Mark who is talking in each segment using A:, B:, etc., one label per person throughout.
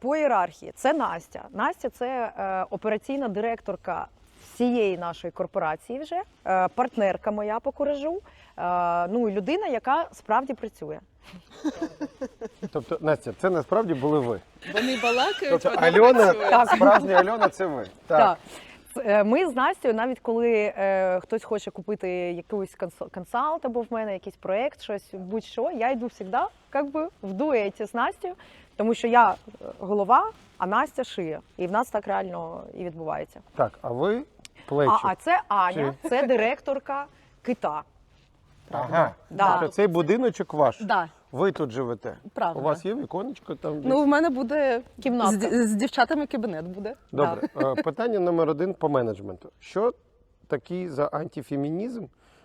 A: По ієрархії це Настя. Настя – це операційна директорка всієї нашої корпорації вже, партнерка моя по куражу, ну і людина, яка справді працює.
B: Тобто, Настя, це насправді були ви.
C: Вони балакають,
B: Тобто
C: вона
B: Альона,
C: працює.
B: справжня Альона – це ви.
A: Так. Ми з Настю, навіть коли хтось хоче купити якийсь консалт або в мене якийсь проєкт, щось, будь-що, я йду завжди в дуеті з Настю, тому що я голова, а Настя шиє. І в нас так реально і відбувається.
B: Так, а ви плечі.
A: А це Аня, це директорка кита.
B: Ага.
A: Да.
B: Тобто цей будиночок ваш.
C: Да.
B: Ви тут живете.
C: Правда.
B: У вас є віконечко там? десь?
C: Ну, в мене буде
A: Кімнатка.
C: з дівчатами кабінет буде.
B: Добре. Питання номер 1 по менеджменту. Що такий за антифемінізм,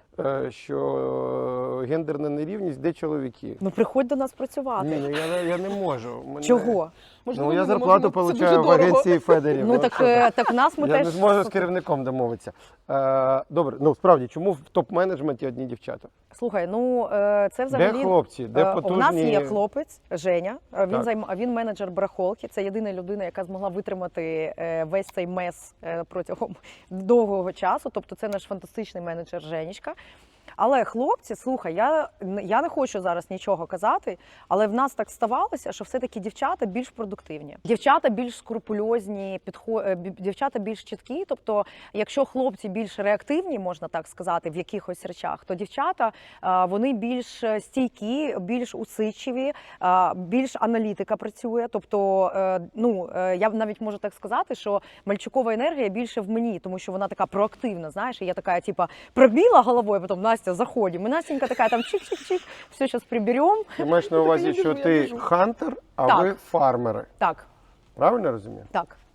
B: що гендерна нерівність, де чоловіки?
A: Ну приходь до нас працювати.
B: Ні, ну я не можу.
A: Чого?
B: Ну, я зарплату отримую в агенції Федерів.
A: Ну так в нас ми
B: Я
A: теж...
B: не зможу з керівником домовитися. Добре, ну справді, чому в топ-менеджменті одні дівчата?
A: Слухай, ну це взагалі...
B: Де хлопці? Де потужні?
A: У нас є хлопець, Женя,
B: Так.
A: він менеджер барахолки, це єдина людина, яка змогла витримати весь цей мес протягом довгого часу, тобто це наш фантастичний менеджер Женечка. Але хлопці, слухай, я не хочу зараз нічого казати, але в нас так ставалося, що все-таки дівчата більш продуктивні. Дівчата більш скрупульозні, дівчата більш чіткі. Тобто, якщо хлопці більш реактивні, можна так сказати, в якихось речах, то дівчата, вони більш стійкі, більш усидчиві, більш аналітика працює. Тобто, я навіть можу так сказати, що мальчукова енергія більше в мені, тому що вона така проактивна, знаєш, і я така, типа, пробіла головою, потім Настя, заходимо. І Настенька така, там чик-чик-чик, все, зараз приберемо.
B: Ти маєш на увазі, що ти хантер, а
A: Так.
B: ви фармери.
A: Так,
B: Правильно розумію?
A: так.